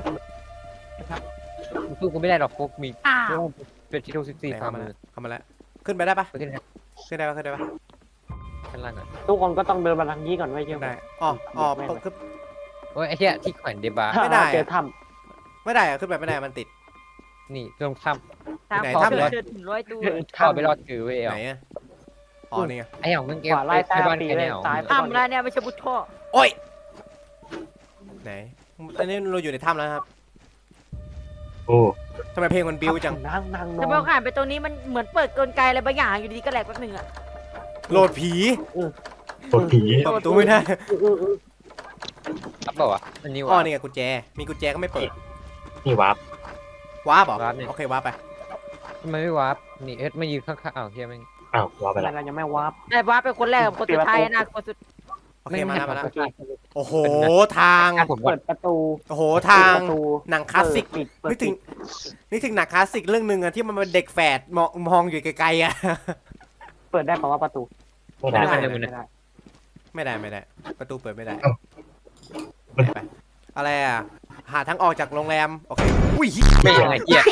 สู้กูไม่ได้หรอกพวกมี
อ้าว
เป็นที่ทุกสิบสี่
ไหน
ฝ่า
เข้ามา
มื
แล้
อ
วเข้ามาแล้วขึ้นไปได้ปะ
ขึ้นนะ
ขึ้นได้ปะขึ้นได้ปะ
ข้างล่างอ่ะ
ทุกคนก็ต้องเดินมาทางนี้ก่อนไว้เชื่อ
ได้อ๋ออ๋อขึ้น
โอ้ยไอ้เหี้ยที่แขวนเดบาร์
ไม่ได้
เจอถ้
ไม่ได้อะขึ้นไปไม่ได้มันติด
นี่ตรงถ้
ทาง
ไหน
ขอ
ทำเลย
เชิญถึงร้อยตู้
ำเข้าไปรอดถือเว้ย
ไหนอะอ๋อนี่ไง
ไอ้หยองมึง
ำ
เก็
ข
บ
วาไล่
ไป
ใต้
บ้าน
ปี
แค่
เล
นี้
ย
หรอ
ซ้ายไป
ทำแล้วเนี่ยไม่ใช่บุตรท่อ
โอ้ยไหนอันนี้เราอยู่ในถ้ำแล้วครับ
โอ้
ทำไมเพลงมันบิวจัง
นั่งนั่งน
แต่
อ
พอน ผ่านไปตรงนี้มันเหมือนเปิดกลไกอะไรบางอย่างอยู่ดีๆก็แหลกแป๊บหนึงอ่ะ
โหลดผี
ปวดผี
เปิดประตูไม่ได้
อื้ออื้ออื้อ
รับเปล่าวะอันนี้
อ๋อ
วะ
นี่ไงกุญแจมีกุญแจก็ไม่เปิด
นี่วาร์ป
ว้าบเหรอ
วาร์ปนี่
โอเคว้าบไป
ทำไมไม่วาร์ปนี่เอ็ดไม่ยืนข้างๆอ้าวเฮียแม่ง
อ้าววาร์ปไป
อะไร
แล้ว
เรายังไม่วาร์ป
แต่ว่าเป็นคนแรกกับคนสุดท้ายนะคนสุด
โอเคมาแล้วมาแล้ว
โอเค
โอ้โหทาง
อ่ะผมก่อ
เปิ
น
ดประตู
โอ้โหทาง
เปิดประตู
หนังคลาสสิก
เปิดปิดเปิด
นึกถึง
ปิด
นึกถึงหนังคลาสสิกเรื่องหนึ่งอะที่มันเป็นเด็กแฝดมองมองอยู่ไกลๆอะ
เปิดได้เพราะว่าประตู
ไม่ได้
ไม่ได้
ไม่ได้
ไม่ได้ไม่ได้ ประตูเปิดไม่ได้
เอ้า
ไปไปอะไรอะหาทางออกจากโรงแรมโอเคอุ้ย
ไม่ยังไงเหี้ย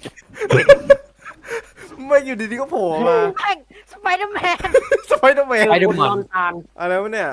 ไม่อยู่ดีๆก็โผล่มา
แม่งสไปเดอร์แมน
สไปเดอร์แมน
ไปดู
คุณ
หมอน
นอนตาน
อะไรวะเนี่ย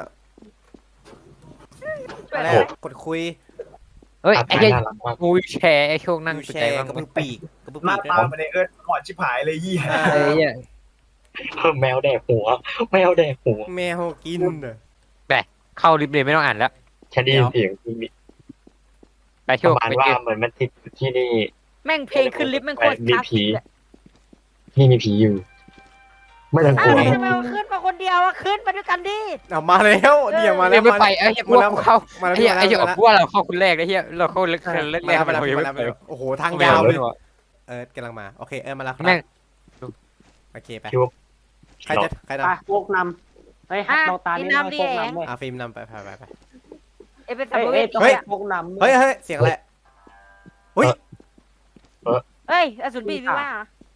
อะไรอะกดคุย
เฮ้ย
อา
ไอ้
การ
เหี้ย
น่ารักมาก
งูวิวแชร์ไอ้โชคนั่ง
วิว
สน
แช
ใจ
ร์
บ้าง
กระ
ไหม
พือปีกกระพือ
หน้า
ปีก
ตา
ด้วย
มันในเอิร์ธก่อนชิบหายเลยยี่
อ่า
เฮ้ยเหี้ย
แมวแดกหัวแมวแดกหัว
แมวกินเหรอ
เข้าลิฟต์เลยไม่ต้องอ่านแล้ว
ฉันได้ยินเสียงมี
ไปโช
ประ
ค
มาณ
ไป
ว่า
เจอ
เหมือนมันติดที่นี่
แม่งเพลงขึ้นลิฟต์แม่งโคตร
มี
คลาส
ผี
สิกอะ
ที่มีผีอยู่ ไม่ต้องก
อ้า
ลั
ว
ว
ทำไมเราขึ้นมาคนเดียวอะขึ้นมาด้วยกันดิ
เอามาแล้วเนี่ยมาแล้
เรียว กไม่
มา
ไป
แล้ว
ไอ้เหี้ยพวกกูเข้า
มาแล้ว
ไอ้เหี้ยไอ้เหี้ย
มาแล้ว
พวกเราเข้าคนแรกไอ้เหี้ยเราเข้าแรกแรกแรก
มาแล้ว
เรายัง
มา
ไม่
แล้ว
ไป
โอ้โหทางยาวเลยเออกำลังมาโอเคเออมาแล้วครับ
แม่ง
โอเคไป
คิดว่า
ใครจะใคร
ไป
นำ
โฟกนำเฮ้ยเราตานี่ให้โฟกนำเว้ย
อ่ะฟิล์มนำไปไปไปไป
เอ้ยเป็นสั
เฮ้
ม
ย
ภ
เฮ้ย
เว
ต้อง
สี
ให้
อะ
โฟกนำ
เฮ้ยเฮ้ยเสียงอะไรเฮ้ย
เฮ้ยอสูรบีพี่ว่า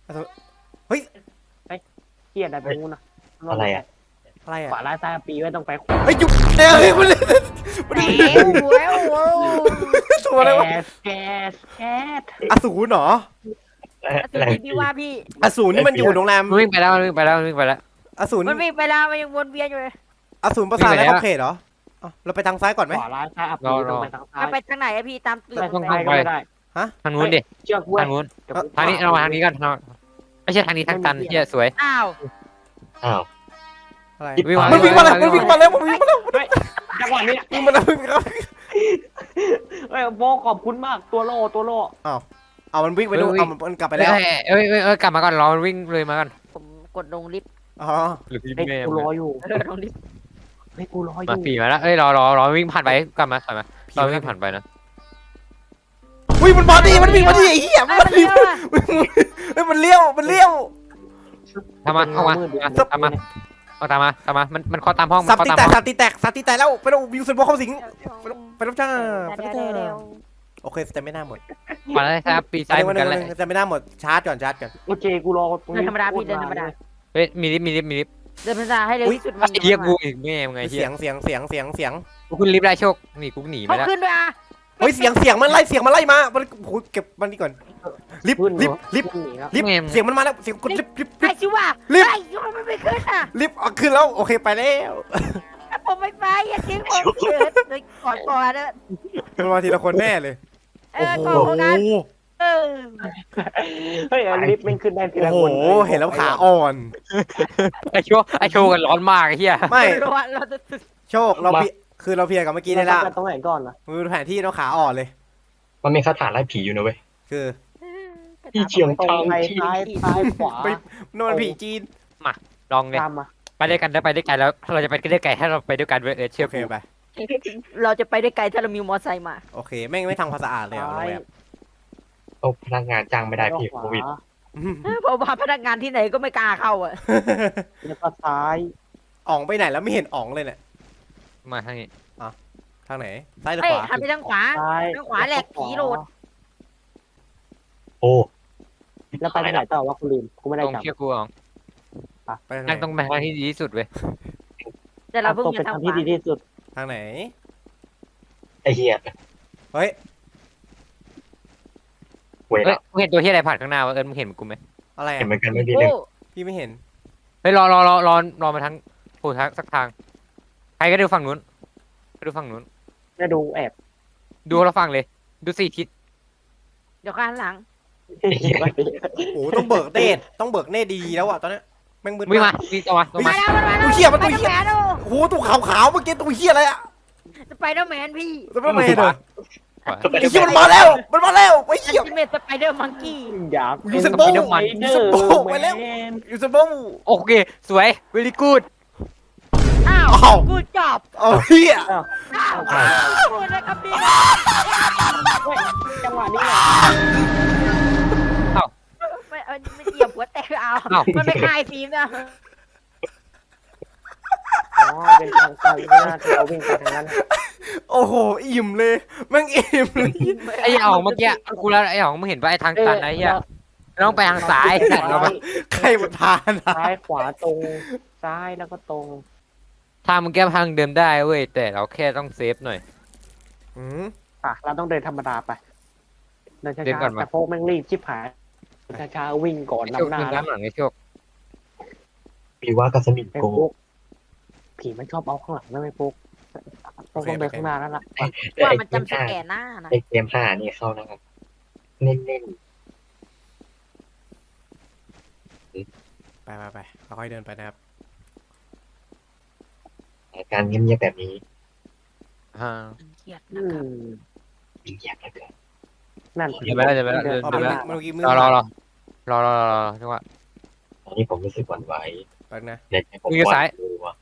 เกียดอะไรไปงูนนะ
อะไรอ่ะ
อะไร
ขวา
อ่ะ
ล่างซ้ายปีไว้ต้องไปขวา
เฮ้ยหยุดเดี๋ยวเฮ้ยมันมัน
แหมโว้ยโว้ย
ตัวอะไรวะ
แก๊สแก๊สแก๊ส
อสูรเหรอ
เอ่อ
อสู
อะไร
รบีพี่ว่าพี่
อสูรนี่มันอยู่โรงแรม
มันวิ่งไปแล้วมันวิ่งไปแล้วมันวิ่งไปแล้ว
อสูร
มันวิ่งไปแล้วมันยังวนเวียนอยู่เลย
อสูรประสาท
วิ่งไป
และ
แล้ว
ขอบเขตเหรออ่ะเราไปทางซ้ายก่อนไหม
ขวาล่างซ้ายปีต้องไปทางซ้าย
มันไปทางไหนอะพี่ตามตึก
ไปทาง
ไป
ซ้ายก็ไม่ได้
ทางนู้นดิ
เชือกเว้ย
ทางนู้นทางนี้เรามาทางนี้กันทางไม่ใช่ทางนี้ทางตันเหี้ยสวย
อ้าว
อ้าว
อะไร
วิ่งมา
มันวิ่งมาแล้ว
วิ่
มัน
ง
วิ่ง
มา
มาแล้วมันวิ่งมาแล้ว
จังหวะนี้
วิ่งมาแล้ววิ่งมาแล้ว
เฮ้ยโฟขอบคุณมากตัวโล่ตัวโล่
เอามันวิ่งไปดูเอามันกลับไป
ไป
แล้
แล้ว วเอ้ยเอ้ยเอ้ยกลับมาก่อนรอมันวิ่งเลยมาก่อน
ผมกดลงลิฟต์
อ๋อ
หรือพี่
เฮ้ย
แม่
กูรออยู่
เออลงลิฟต์
เฮ้ยกูรออ
มา
ยู่
ปีมาแล้วเอ้ยรอรอรอวิ่งผ่านไปกลับมาถอยมาเราวิ่งผ่านไปนะ
อุ้ยมันมาดิมันวิ่งมาดิไอ้เหี้ย
ไม่
มัน
เป็น
วิ่ง
ไรอะ
เฮ้ยมันเลี้ยวมันเลี้ยว
ทำมาเข้ามาทำมาเอาตามมาตามมามันมันเข้าตามห้องมั
สั
น
บ
เข้า
ตี
ตาม
แต
ห้
ก
อง
สับตีแตกสับตีแตกแล้วไปดูวิวสุดบอลเข้าสิงไปดูจ้าไปดู
เดี๋
จ้า
ยวเดี๋ยวเดี๋ยว
โอเคแต่ไม่น่าหมด
มาแล้วครับปีซ้ายเหมือนกันเลย
แต่ไม่น่าหมดชาร์จก่อนชาร์จก่อน
โอเคกูรอตรง
เดิน
นี้
ธรรมดาพี่เดินธรรมดา
เฮ้ยมีลิฟต์มีลิฟต์มีลิฟต์
เดินธรรมดาให้เร็วที่สุด
ไอ้เหี้ยกูอีกแม่มึงไงเหี้
เสี
ย
ยงเสียงเสียงเสียงเสียง
กูขึ้นลิฟต์ได้โชคนี่กูหนีไป
เขา
แล้ว
ขึ้นด้วยอ่ะ
เฮ้ยเสียงเสียงมันไล่เสียงมันไล่มามันโอ้โหเก็บมันนี่ก่อนลิฟต์ลิฟต์ลิฟต์
หนีครับ
ลิฟต์เสียงมันมาแล้วเสียงกดลิฟต์ลิฟต์ลิ
ไอ้
ฟต์
ชิว่า
ลิฟต์
ไอ้ชิว่ามันไม่ขึ้นอ่ะ
ลิฟต์เอาขึ้นแล้วโอเคไปแล้ว
ผมไม่ไปอย่าทิ้งผมเกิดเลยก่อนก่อนเด้อ
มันมาทีละคนแน่เลย
เอ
โอ้
อ
โห
ก่อนของกันเออ
เฮ้ยลิฟต์มันขึ้นได้ที
โอ้
ละ
โห
คน
เห็นแล้วขาอ่อน
ไอ้โชคไอ้โชคกันร้อนมากไอ้เหี้ย
ไม่
เราเราจะ
โชคเราเพียคือเราเพียร์กับเมื่อกี้ได้ละ
ตรงไหนก่อนล่ะ
มือแผนที่เราขาอ่อนเลย
มันมีคาถาไล่ผีอยู่นะเว้ย
คือ
พี่เชียง
ตรง
ทาง
ไป
ที่
ซ้ายซ้ายขวา
ไปนอนผีจีน
ลองเลย
ตามมา
ไปด้วยกันได้ไปด้วยกันแล้วเราจะไปด้วยกันถ้าเราไปด้วยกันเว้ยเออเชื่อ
โอเค
กู
ไป
เราจะไปได้ไกลถ้าเรามีมอเตอร์ไซค์มา
โอเคแม่งไม่ทำความสะอาดเลยเหรอโรงแรม
โอ้พนักงานจ้างไม่ได้พี่โควิด
อืม
เพราะว่าพนักงานที่ไหนก็ไม่กล้าเข้าอ่ะ
แล้วก็ซ้าย
อ๋องไปไหนแล้วไม่เห็นอ๋องเลยเนี่ย
มาทางนี้
ทางไหนซ้ายหรือ
เฮ้ย
ขวา
หันไปทางขวา
ซ้าย
ทางขวาแหลกผีโหลด
โอ้
แล้วไปที่ไหนต่อวะกูลืมกูไม่ได้
ตรง
จำ
เชื่อกูอ๋อง
ไปทางไห
นั่งต
น
รงไปทางที่ดีที่สุดเว้ย
แต่เราเพิ่ง
ตก
มี
เป็น
ทาง
ทาง
ข
ที่
วา
ดีที่สุด
ทางไหน
ไอ้เหี้ย
เฮ้ย
เว้ย
เฮ้ยมึงเห็นตัวที่อะไรผ่านข้างหน้าวะเอิญมึงเห็นกูไหม
อะไร
เห็น
อ่ะ
เหมือนกันไม่ดี
โอ้
เลย
พี่ไม่เห็น
เฮ้ยรอรอรอรอรอมาทางโผล่ทางสักทางใครก็ดูฝั่งนู้นไปดูฝั่งนู้น
ได้ดูแอบ
ดูเราฝั่งเลยดูสี่ทิศ
เดี๋ยวข้างหลัง
โอ้โหต้องเบิกเนตรต้องเบิกเนตรดีๆแล้วอ่ะตอนเนี้ยแม่งมืด
วิ่ง
มาก
มาวิ่งเอามาลง
มา
มา
แล้วมาแล้ว
ตัวเหี้ยมันตัวเหี้ย
ไปดอร์แมน
โอ้โหตัวขาวๆเมื่อกี้ตัวเหี้ยอะไรอ่ะ
สไปเดอร์แมนพี่
ตัวไม่เห็นเหรอ
ขวา
ไอ้เหี้ยมันมาแล้ว มันมาแล้วไอ้เหี้ย
จิเมตสไปเดอร์มังกี้
อยาก
ยูเซนโบ้
ไอเดอ
ยูเซน
ร์
โบ้
แม
ไปแล้ว
น
ยูเซนโบ้
โอเคสวย very good
อ้าว
อ้าว
กูจอบ
เอาเหี้ย
อ้าว
อ้าวพูดนะครับพี่
เฮ้ยจังหวะนี้เหรอ
ไม่เอาไม่เหยียบหัวแตกเอา
อ้าว
มันไม่คลายฟิล์มนะ
อ๋อเป็นทางไปไม่น่าจะเอาวิ่งไปทางนั้น
โอ้โหอิ่มเลยแม่งอิ่มเลย
ไอ้หองเมื่อกี้กูแล้วไอ้หองมึงเห็นป่ะไอ้ทางตันไอ้เหี้ยต้องไปทางซ้ายแต่เราไป
ใครมันพานะ
ซ้ายขวาตรงซ้ายแล้วก็ตรง
ทางมันแก้ทางเดิมได้เว้ยแต่เราแค่ต้องเซฟหน่อย
อืม
อ่ะเราต้องเดินธรรมดาไปเดินช้
เดินก่อ
าน ๆ
มา
แต่พวกแม่งรีบชิบหายช้าๆวิ่งก่อน
ไอ้โชคน
ำหน้า
เดินน้ำหลังไอ้โชค
มีว่ากับสมิง
ไอ้
โก
พวกผีมันชอบเอาข้างหลังนะไอ้พวกต้องเดินข้างหน้านั่นแหละ
ว่ามันจำสแกนหน้านะ
ไอเกมห้านี่เข้านะครับเน้น
ไปไปไปค่อยๆเดินไปนะครับ
ๆการเงียบๆแบบนี้
อ่า
เครียด
อื
นะครับ
ม
มีอยากเหลือเกิน
นั่น
เดี๋ยวไปแล้วเดี๋ยวไปแล้ว
เดิน
อ๋อ
ข้าง
เมื่อ
ห
กี้
น้า
เมื่อกี้มือ
รอรอรอรอรอรอรอจังหวะ
ตอนนี้ผมรู้สึกหวั่นไหว
แป๊บนะ
ในใจผม
มือ
หวา
ซ้าย
ดกลัว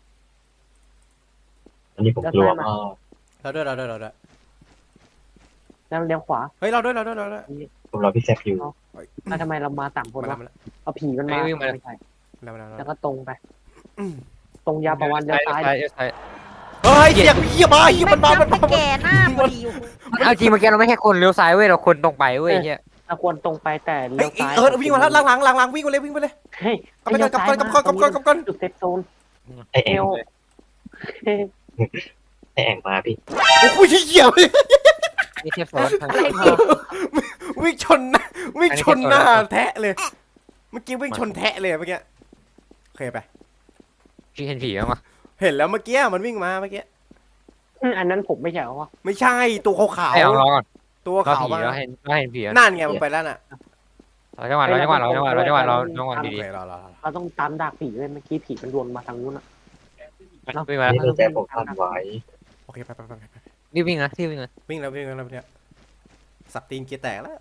อันนี้ผมกลัวมาก
เราด้วยเราด้วยเราด้วย
แล้วเลี้ยวขวา
เฮ้ยเราด้วยเราด้วยเราด้วย
ผมรอพี่แซคอยู่
แล้วทำไมเรามาต่างคน
มาแล้ว
วะ
มาแล้ว
เอาผีมันมา
ไม่วิ่งมา
ไม่ใช่
มาแล้วมาแล้ว
แล้วก็ตรงไป
อืม
ตรงยาวประวันเลี้ยวซ้าย
ซ้ายซ้าย
เฮ้ยเสียงเหี้ยมาเหี้ยมันมามันมา
จำสแกนหน้าพอดี
เอาจริงเมื่อกี้เราไม่แค่คนเลี้ยวซ้ายเว้ยเราคนตรงไปเว้ยเฮีย
เราควรตรงไปแต่
เฮ้
เลี้
ย
ยวซ้าย
เออวิ่งมาแล้วหลังหลังหลังหลังวิ่งไปเลยวิ่งไปเลย
เฮ้ย
กลับไปก่อนกลับก่อนกลับก่อนกลับก่อนกลับก่อน
จุดเซฟโซน
ไอแอ
เอ
ง
วเฮ้ย
ไอแองมาพี่
โอ้โหเหี้ยเลย
นี่เทียบโซนทาง
อะไรพี่
วิ่งชนหน้าวิ่งชนหน้าแทะเลย เมื่อกี้วิ่งชนแทะเลยเมื่อกี้โอเคไป
พี่เห็นผีบ้างปะ
เห็นแล้วเมื่อกี้มันวิ่งมาเมื่อกี้
อันนั้นผมไม่ใช่เหรอวะ
ไม่ใช่ตัวขาว
ไอ้หองรอก่อน
ๆตัว
รอ
ขาว
ผี
มา
เราเห็นเราเห็นผีแล้ว
นั่นไงมันไปแล้วน่ะ
เราจังหวะเราจังหวะเราจังหวะเราจังหวะเราจังหวะ
โอ
ดี
เครอรอรอ
เราต้องตามดักผีเลยเมื่อกี้ผีมันวนมาทางนู้นอะ
ๆวิ่งมา
นี่ในใจผมสั่นไหว
โอเคไปไปไปไปไป
รีบวิ่งนะรีบวิ่งนะ
วิ่งแล้ววิ่งแล้วเนี่ยสับตีนเกียร์แตกแล้ว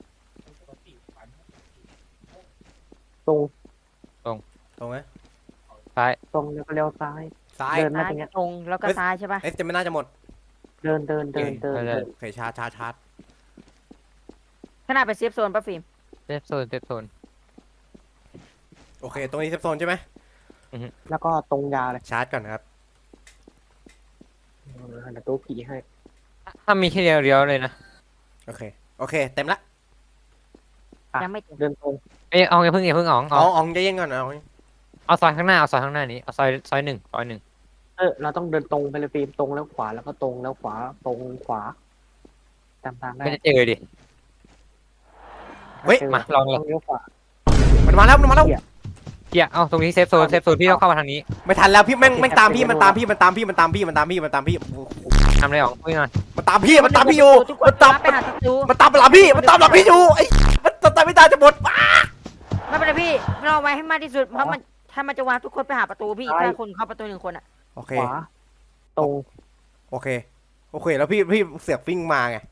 ตรง
ตรงไหม
ซ้าย
ตรงแล้วก็เลี้ยวซ้าย
ซ้าย
เดิน
ซ้ายตรงแล้วก็ซ้ายใช่ป่ะ
เอ๊ะจะไม่น่าจะหมด
เดินเดินเดินเดินเดิน
โอเคชาร์จชาร์จชาร์จ
ขนาดไปเซฟโซนป่ะฟิล์ม
เซฟโซนเซฟโซน
โอเคตรงนี้เซฟโซนใช่ไหม
แล้วก็ตรงยาวเลย
ชาร์จก่อนนะครับ
เออเดี๋ยวตัวผีให้
ถ้ามีแค่เดียวเดียวเลยนะ
โอเคโอเคเต็มละ
ยังไม่ถึง
เดินตรง
เอ้ยเอาอย่าเพิ่งอย่าเพิ่งอ๋อง
อ๋
เอา
ออ๋องใจเย็นก่อนอ๋อง
เอาซอยข้างหน้าเอาซอยข้างหน้านี้เอาซอยซอยหนึ่งซอยหนึ่ง
เออเราต้องเดินตรงไปเลยฟิล์มตรงแล้วขวาแล้วก็ตรงแล้วขวาตรงขวาจำทางได้
ไม่จะเจอดิ
เฮ้ย
เจอ
มาลองเลย
ต้องเลี้ยวขวา
มันมาแล้วมันมาแล้ว
เกียเอาตรงนี้เซฟโซนเซฟโซนพี่ต้องเข้ามาทางนี้
ไม่ทันแล้วพี่แม่งแม่งตามพี่มันตามพี่มันตามพี่มันตามพี่มันตามพี่มันตามพี่
ทำอะไรอ๋องวิ่งหน่อย
มันตามพี่มันตามพี่อยู่
ทุกค
มัน นตาม
ไปหาศัตรู
มันตามหลังพี่มันตามหลังพี่อยู่ไอ้มันตามไม่ได้จะหมด
ไม่เป็นไรพี่เราไว้ให้มากที่สุดเพราะมันถ้ามันจะวางทุกคนไปหาประตูพี่ถ้าคนเข้าประตูหนึ่งคนอ่ะ
โอเค
ขวาตรง
โอเคโอเคแล้วพี่พี่เสือกวิ่งมาไง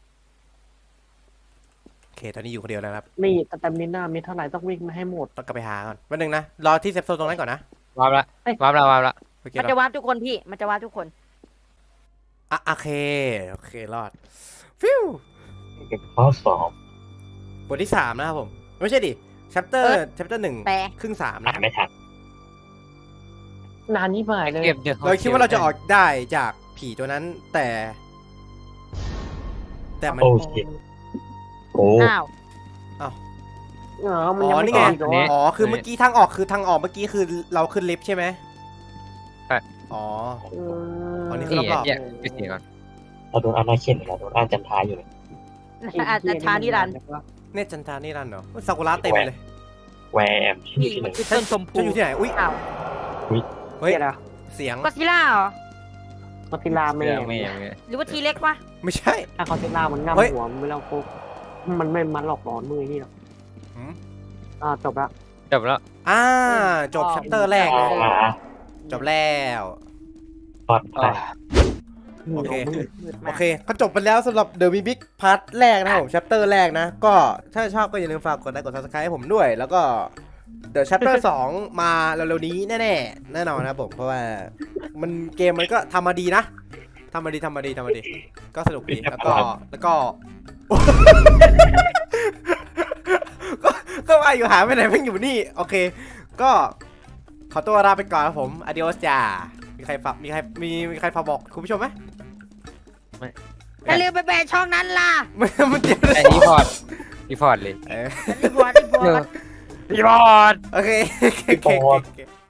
โอเคตอนนี้อยู่คนเดียวแล้วครับ
มีสแตมิน่ามีเท่าไหร่ต้องวิ่งมาให้หมด
ต้องกลับไปหาก่อนวันหนึ่งนะรอที่เซฟโซนตรงนั้นก่อนนะ
วาร์ปละ
เอ้ย
วาร์ปละวาร์ปละ
โอเค
มันจะวางทุกคนพี่มันจะวางทุกคน
อ่ะโอเคโอเครอดฟิว
เป็นข้อสอบบ
ทที่สามนะครับผมไม่ใช่ดิ chapter chapter หนึ่ง
แต่
ครึ่งสาม
อ่า
นะ
นไม่ทัน
นานนี้หมายเลย
เก็บเดี๋ยว
เราคิดว่าเราจะออกได้จากผีตัวนั้นแต่ แต่มัน
โอ้ชิตโอ้
อ้าว
เออมันยัง
อ๋อ
ไม่
นี่ไง
ออกอีกเหรอ
อ๋อคือเมื่อกี้ทางออกคือทางออกเมื่อกี้คือเราขึ้นลิฟต์ใช่ไหมอ๋อ
เอ
อ๋อนี่
อ
คือ
นี่แยกไปเสียก่อน
เราโดนอาณาเข็นเราโดนอ่านจันทายอยู่เลย
อาจจะช้านิรันดร์
เนี่ยจันทานี่รันเหรอซากุระเต็มเลย
แวร์มที่อ
พี่
ยู่ที่ไหน
มันคือต้นชมพู
ฉันอยู่ที่ไหนอุ้ย
อ้าว
เฮ้ย
เฮ้ยอะไร
เสียง
ก็ซิล่าเหรอ
ก็ติลาแม่
เรื่องไม่ยังไม่
หรือว่าทีเล็กวะ
ไม่ใช่
ถ้าเขาติลามันง่ำ
เฮ้ย
หัวมันไม่แล้วปุ๊บมันไม่มันหลอกหลอนมือนี่หรอก
หืม
อ่าจบละ
จบแล้ว
อ่าจบ chapter แรกนะ
อ่า
จบแล้ว
พอดอ่า
โอเค
มืด
โอ
มาก
เคก็จบไปแล้วสำหรับ The Mimic Part แรกนะครับผม chapter แรกนะ ก็ถ้าชอบก็อย่าลืมฝากกดไลค์กด subscribe ให้ผมด้วย แล้วก็ The chapter สองมาเร็วๆนี้แน่ๆแน่นอนนะครับผม เพราะว่ามันเกมมันก็ทำมาดีนะทำมาดีทำมาดีทำมาดี ก็สนุกดีแล้วก็แล้วก็ ก็ก็ว่าอยู่หาไปไหนเพิ่งอยู่นี่ โอเค ก็ขอตัวลาไปก่อนครับผม adios จ้ามีใครฝากมีใครมีมีใครฝากบอกคุณผู้ชมไหม
อย่าลืมไปแบนช่องนั้นล่ะ
มันมันเจ็บ
ไอ้รีพอร์ตรีพอร์ตเลย
เออ
รีพอร์ตรีพอร์ต
รีพอร์ต
โอเคโอเคโอเคโอเค